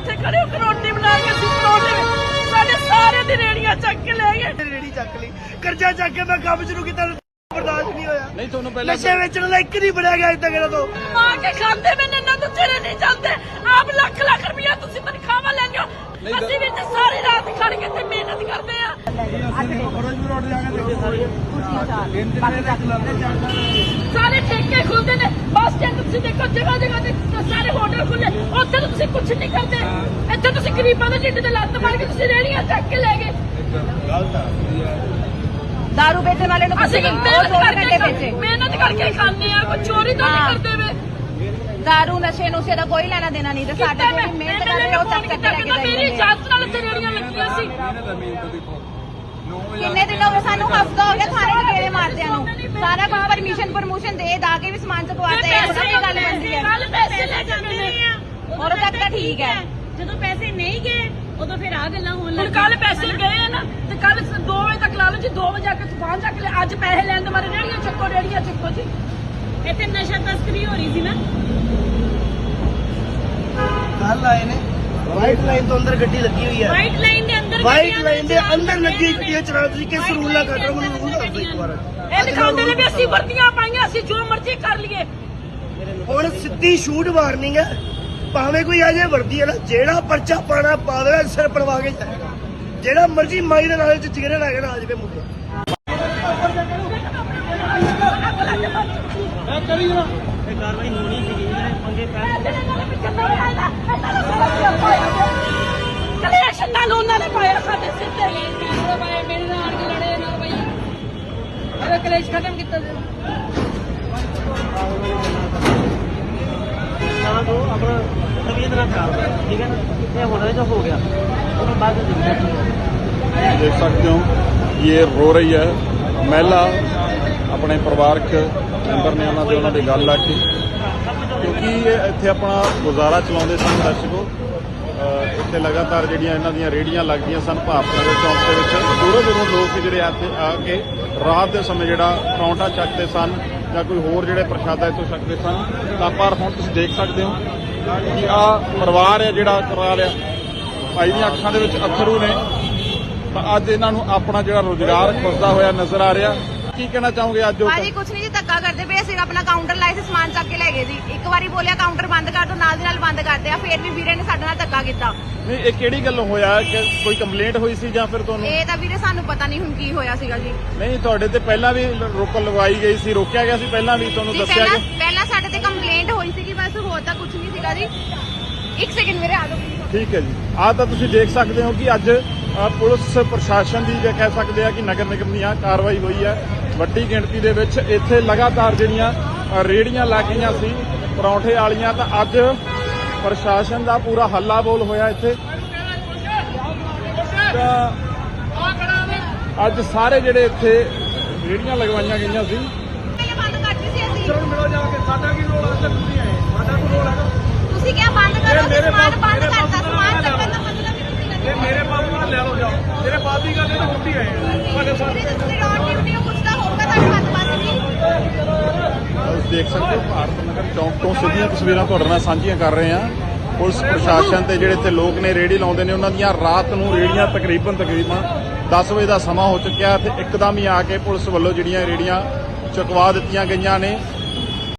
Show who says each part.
Speaker 1: ਇੱਥੇ ਖੜੇ ਹੋ ਕੇ ਰੋਟੀ ਬਣਾ ਕੇ ਅਸੀਂ ਪਰੌਂਠੇ ਸਾਡੇ ਸਾਰੇ ਦੀ ਰੇੜੀਆਂ ਚੱਕ ਕੇ ਲੈ ਗਏ।
Speaker 2: ਰੇੜੀ ਚੱਕ ਲਈ, ਕਰਜ਼ਾ ਚੱਕ ਕੇ ਮੈਂ ਕੰਮ ਸ਼ੁਰੂ ਕੀਤਾ, ਬਰਦਾਸ਼ਤ ਨਹੀਂ ਹੋਇਆ।
Speaker 3: ਨਹੀਂ ਤੁਹਾਨੂੰ ਪਹਿਲਾਂ
Speaker 2: ਨਸ਼ੇ ਵੇਚਣ ਵਾਲਾ ਇੱਕ ਨਹੀਂ ਬਣਿਆ ਗਿਆ ਇੱਥੇ ਕਿਹੜਾ ਤੋਂ।
Speaker 1: ਆ ਕੇ ਖਾਂਦੇ ਮੈਨੇ ਨਾ ਤੋਂ ਚਿਹਰੇ ਨਹੀਂ ਜਾਂਦੇ। ਆਪ ਲੱਖ ਲੱਖ ਰੁਪਇਆ ਤੁਸੀਂ ਤਨਖਾਹਾਂ ਲੈਂਦੇ ਹੋ, ਅਸੀਂ ਵੀ ਤੇ ਸਾਰੀ ਰਾਤ ਖੜ ਕੇ ਤੇ ਮਿਹਨਤ ਕਰਦੇ ਆ। ਸਾਰੇ ਠੇਕੇ ਖੁੱਲਦੇ ਨੇ, ਬੱਸ ਸਟੈਂਡ ਤੁਸੀਂ ਦੇਖੋ ਜਗ੍ਹਾ ਜਗ੍ਹਾ ਤੇ ਸਾਰੇ ਹੋਟਲ ਖੁੱਲੇ, ਉੱਥੇ ਤਾਂ ਤੁਸੀਂ ਕੁਝ ਨਹੀਂ ਕਰਦੇ। ਇੱਥੇ ਤੁਸੀਂ ਗਰੀਬਾਂ ਦੇ ਢਿੱਡ ਤੇ ਲੱਤ ਮਾਰ ਕੇ ਤੁਸੀਂ ਰੇੜੀਆਂ ਚੱਕ ਕੇ ਲੈ ਗਏ।
Speaker 4: दारू बेचने वाले ने
Speaker 1: ਅਸੀਂ ਮਿਹਨਤ ਕਰਕੇ ਖਾਂਦੇ ਆ, ਕੋਈ ਚੋਰੀ ਤਾਂ ਨਹੀਂ ਕਰਦੇ ਵੇ।
Speaker 4: दारू नशे नुशे का कोई लेना देना नहीं, साडे जेहड़ी मेहनत कर रहे हो तक करके लेके
Speaker 1: ਮੇਰੀ ਇਜਾਜ਼ਤ ਨਾਲ ਇੱਥੇ ਰੇੜੀਆਂ ਲੱਗੀਆਂ ਸੀ।
Speaker 4: किन्ने दिन हो गए सानू, हफ्ता हो गया थाने च गेड़े मारदे नु, सारा कुछ परमिशन परमोशन दे दा के भी सामान चकवाते हैं। सब गल बनदी है,
Speaker 1: ਕੱਲ ਪੈਸੇ ਲੈ ਜਾਂਦੇ ਨੇ
Speaker 4: और तक तो ठीक है।
Speaker 5: ਜਦੋਂ ਪੈਸੇ ਨਹੀਂ ਗਏ ਉਦੋਂ ਫਿਰ ਆ ਗੱਲਾਂ ਹੋਣ
Speaker 1: ਹੁਣ ਕੱਲ ਪੈਸੇ ਗਏ ਆ ਨਾ ਤੇ ਕੱਲ 2 ਵਜੇ ਤੱਕ ਲਾ ਲਓ ਜੀ, 2 ਵਜੇ ਆ ਕੇ ਤੂਫਾਨ ਚੱਕ ਲੈ। ਅੱਜ ਪੈਸੇ ਲੈਣ ਦੇ ਮਾਰੇ ਰੇੜੀਆਂ ਚੱਕੋ ਜੀ।
Speaker 5: ਇੱਥੇ ਨਸ਼ਾ ਤਸਕਰੀ ਹੋ ਰਹੀ ਸੀ ਨਾ।
Speaker 2: ਕੱਲ ਆਏ ਨੇ, ਵਾਈਟ ਲਾਈਨ ਤੋਂ ਅੰਦਰ ਗੱਡੀ ਲੱਗੀ ਹੋਈ ਹੈ।
Speaker 5: ਵਾਈਟ ਲਾਈਨ ਦੇ ਅੰਦਰ
Speaker 2: ਵਾਈਟ ਲਾਈਨ ਦੇ ਅੰਦਰ ਲੱਗੀ ਗੱਡੀਆਂ ਚਲਾ ਤੁਸੀਂ ਕਿਸ ਰੂਲ ਨਾਲ ਕੱਢ ਰਹੇ ਹੋ? ਮੈਨੂੰ ਰੂਲ ਦੱਸ ਦਿਓ ਇੱਕ ਵਾਰ।
Speaker 1: ਇਹ ਦਿਖਾਉਂਦੇ ਨੇ ਵੀ ਅਸੀਂ ਵਰਦੀਆਂ ਪਾਈਆਂ, ਅਸੀਂ ਜੋ ਮਰਜ਼ੀ ਕਰ ਲਈਏ।
Speaker 2: ਹੁਣ ਸਿੱਧੀ ਸ਼ੂਟ ਵਾਰਨਿੰਗ ਹੈ, ਭਾਵੇਂ ਕੋਈ ਅਜੇ ਵਰਦੀ ਹੈ ਨਾ, ਜਿਹੜਾ ਪਰਚਾ ਪਾਣਾ ਪਾ ਦੇਵੇ, ਸਿਰ ਪੜਵਾ ਕੇ ਜਾਏਗਾ। ਜਿਹੜਾ ਮਰਜ਼ੀ ਮਾਈ ਦੇ ਨਾਲ ਚ ਚਿਹਰੇ ਲੱਗੇ ਨਾ ਆ ਜਾਵੇ ਮੁੱਦਾ। ਇਹ ਕਾਰਵਾਈ ਹੋਣੀ ਸੀਗੀ, ਪੰਗੇ
Speaker 1: ਕਲੇਸ਼ ਨਾਲ ਉਹਨਾਂ ਨੇ ਪਾਇਆ ਸਾਡੇ ਸਿਰ ਤੇ।
Speaker 5: ਮੇਰੇ ਨਾਲ ਆ ਕੇ ਲੜੇ ਨਾ ਬਈ, ਅਰੇ ਕਲੇਸ਼ ਖਤਮ ਕੀਤਾ
Speaker 6: तो अपना तबीयत ना खराब, ठीक है ना, ये होना जो हो गया उसके बाद
Speaker 3: देख सकते हो ये रो रही है महिला अपने परिवारक मैंबर ने उन्होंने गल ला के, क्योंकि इत्थे अपना गुजारा चलाते सन। दर्शकों इत्थे लगातार जिहड़ियां इन्हां दीयां रेहड़ियां लगदियां सन भारत नगर चौक दे विच। दूरों दूरों लोग जिहड़े आके रात के समय जिहड़ा परौंठा चकते सन ਜਾਂ ਕੋਈ ਹੋਰ ਜਿਹੜੇ ਪ੍ਰਸ਼ਾਦਾ ਇੱਥੋਂ ਛਕਦੇ ਸਨ। ਤਾਂ ਪਰ ਹੁਣ ਤੁਸੀਂ ਦੇਖ ਸਕਦੇ ਹੋ ਕਿ ਆ ਪਰਿਵਾਰ ਹੈ ਜਿਹੜਾ ਕਰਾ ਰਿਹਾ, ਭਾਈ ਦੀਆਂ ਅੱਖਾਂ ਦੇ ਵਿੱਚ ਅੱਥਰੂ ਨੇ। ਤਾਂ ਅੱਜ ਇਹਨਾਂ ਨੂੰ ਆਪਣਾ ਜਿਹੜਾ ਰੋਜ਼ਗਾਰ ਖੁੱਸਦਾ ਹੋਇਆ ਨਜ਼ਰ ਆ ਰਿਹਾ। ਕੀ ਕਹਿਣਾ ਚਾਹੋਗੇ ਅੱਜ?
Speaker 4: ਭਾਜੀ ਕੁਛ ਨਹੀਂ ਜੀ, ਧੱਕਾ ਕਰਦੇ ਪਏ। ਅਸੀਂ ਆਪਣਾ ਕਾਊਂਟਰ ਲਾਏ ਸੀ, ਸਮਾਨ ਚੱਕ ਕੇ ਲੈ ਗਏ ਜੀ। ਇੱਕ ਵਾਰੀ ਬੋਲਿਆ ਕਾਊਂਟਰ ਬੰਦ ਕਰ ਦੋ, ਨਾਲ ਦੀ ਨਾਲ ਬੰਦ ਕਰਦੇ ਆ। ਫੇਰ ਵੀ ਵੀਰੇ ਨੇ ਸਾਡੇ ਨਾਲ ਧੱਕਾ ਕੀਤਾ।
Speaker 3: ਨਹੀਂ ਇਹ ਕਿਹੜੀ ਗੱਲੋਂ ਹੋਇਆ? ਕਿ ਕੋਈ ਕੰਪਲੇਂਟ ਹੋਈ ਸੀ ਜਾਂ ਫਿਰ ਤੁਹਾਨੂੰ?
Speaker 4: ਇਹ ਤਾਂ ਵੀਰੇ ਸਾਨੂੰ ਪਤਾ ਨਹੀਂ ਹੁਣ ਕੀ ਹੋਇਆ ਸੀਗਾ ਜੀ।
Speaker 3: ਨਹੀਂ ਤੁਹਾਡੇ ਤੇ ਪਹਿਲਾਂ ਵੀ ਰੋਕ ਲਗਵਾਈ ਗਈ ਸੀ, ਰੋਕਿਆ ਗਿਆ ਸੀ ਪਹਿਲਾਂ ਵੀ, ਤੁਹਾਨੂੰ ਦੱਸਿਆ ਗਿਆ?
Speaker 4: ਪਹਿਲਾਂ ਸਾਡੇ ਤੇ ਕੰਪਲੇਂਟ ਹੋਈ ਸੀਗੀ, ਬਸ ਹੋਰ ਤਾਂ ਕੁਝ ਨਹੀਂ ਸੀਗਾ ਜੀ। ਇੱਕ ਸੈਕਿੰਡ ਵੀਰੇ ਆ ਜਾਓ।
Speaker 3: ਠੀਕ ਹੈ ਜੀ। ਆਹ ਤਾਂ ਤੁਸੀਂ ਦੇਖ ਸਕਦੇ ਹੋ ਕਿ ਅੱਜ ਪੁਲਿਸ ਪ੍ਰਸ਼ਾਸਨ ਦੀ ਜੇ ਕਹਿ ਸਕਦੇ ਆ ਕਿ ਨਗਰ ਨਿਗਮ ਦੀਆਂ ਕਾਰਵਾਈ ਹੋਈ ਹੈ ਵੱਡੀ ਗਿਣਤੀ ਦੇ ਵਿੱਚ। ਇੱਥੇ ਲਗਾਤਾਰ ਜਿਹੜੀਆਂ ਰੇੜੀਆਂ ਲੱਗੀਆਂ ਸੀ ਪਰੌਂਠੇ ਵਾਲੀਆਂ, ਤਾਂ ਅੱਜ ਪ੍ਰਸ਼ਾਸਨ ਦਾ ਪੂਰਾ ਹੱਲਾ ਬੋਲ ਹੋਇਆ ਇੱਥੇ। ਤਾਂ ਅੱਜ ਸਾਰੇ ਜਿਹੜੇ ਇੱਥੇ ਰੇੜੀਆਂ ਲਗਵਾਈਆਂ ਗਈਆਂ ਸੀ।
Speaker 4: ਬੰਦ ਕਰਤੀ ਸੀ ਅਸੀਂ।
Speaker 2: ਚਲੋ ਮਿਲੋ ਜਾ ਕੇ, ਸਾਡਾ ਕੀ ਰੋਲ ਹੈ? ਤੁਸੀਂ ਆਏ, ਸਾਡਾ ਕੋਈ ਰੋਲ ਹੈਗਾ?
Speaker 4: ਤੁਸੀਂ ਕਿਹਾ ਬੰਦ ਕਰੋ, ਸਮਾਨ ਬੰਦ ਕਰਤਾ। ਸਮਾਨ ਚੱਕਣ ਦਾ ਮਤਲਬ ਹੀ ਤੁਸੀਂ
Speaker 2: ਇਹ ਮੇਰੇ ਬਾਪ ਨਾਲ ਲੈ ਲਓ, ਜਾਓ। ਮੇਰੇ ਬਾਪ ਦੀ ਗੱਲ ਇਹ ਤਾਂ ਛੁੱਟੀ ਆਏ ਤੁਹਾਡੇ ਸਾਥ।
Speaker 4: ਤੁਸੀਂ ਰੋਡ ਡਿਊਟੀ ਨੂੰ ਕੁਛ ਤਾਂ ਹੋਊਗਾ ਤੁਹਾਡੇ ਹੱਥ ਬੰਦ ਨਹੀਂ।
Speaker 3: ਤੁਸੀਂ ਦੇਖ ਸਕਦੇ ਹੋ ਭਾਰਤ ਨਗਰ ਚੌਂਕ ਤੋਂ ਸਿੱਧੀਆਂ ਤਸਵੀਰਾਂ ਤੁਹਾਡੇ ਨਾਲ ਸਾਂਝੀਆਂ ਕਰ ਰਹੇ ਹਾਂ। ਪੁਲਿਸ ਪ੍ਰਸ਼ਾਸਨ ਤੇ ਜਿਹੜੇ ਇੱਥੇ ਲੋਕ ਨੇ ਰੇਹੜੀ ਲਾਉਂਦੇ ਨੇ, ਉਹਨਾਂ ਦੀਆਂ ਰਾਤ ਨੂੰ ਰੇਹੜੀਆਂ ਤਕਰੀਬਨ 10 ਵਜੇ ਦਾ ਸਮਾਂ ਹੋ ਚੁੱਕਿਆ ਤੇ ਇੱਕਦਮ ਹੀ ਆ ਕੇ ਪੁਲਿਸ ਵੱਲੋਂ ਜਿਹੜੀਆਂ ਰੇਹੜੀਆਂ ਚੁਕਵਾ ਦਿੱਤੀਆਂ ਗਈਆਂ ਨੇ।